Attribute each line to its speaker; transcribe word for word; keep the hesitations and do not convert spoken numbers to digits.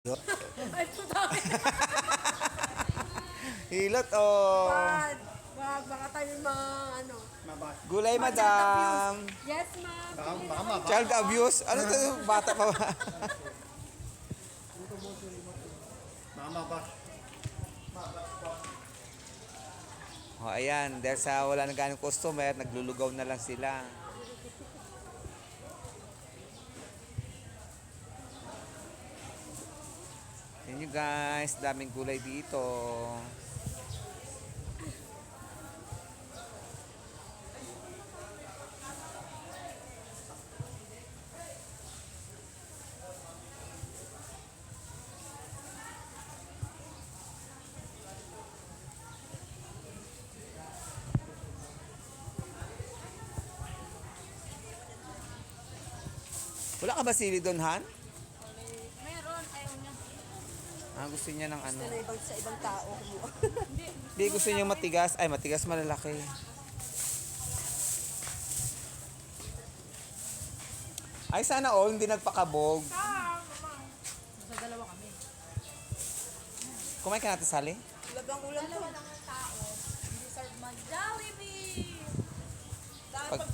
Speaker 1: Ay, putang.
Speaker 2: Hilot oh.
Speaker 1: Bad. Wag, baka tayo mga ano.
Speaker 2: Gulay,
Speaker 1: Child
Speaker 2: madam.
Speaker 1: abuse. Yes, ma'am.
Speaker 3: Baka, baka ma,
Speaker 2: Child abuse? Ano to? Bata pa ba?
Speaker 3: mama ba?
Speaker 2: Oh, ayan. Dahil sa wala na ganong customer, naglulugaw na lang sila. Yan nyo guys. Daming gulay dito. Wala ka ba sili doon, Han?
Speaker 1: Meron, ayaw niya.
Speaker 2: Ah, gusto niya ng ano.
Speaker 1: Gusto na ibang sa ibang tao.
Speaker 2: Hindi, gusto niya matigas. Ay, matigas malalaki. Ay, sana all hindi nagpakabog.
Speaker 1: Sa dalawa kami.
Speaker 2: Kumain ka natin, Sally?
Speaker 1: Labang ulam to. Dalawa lang ang tao. Hindi serve mag Jollibee.
Speaker 2: Pag,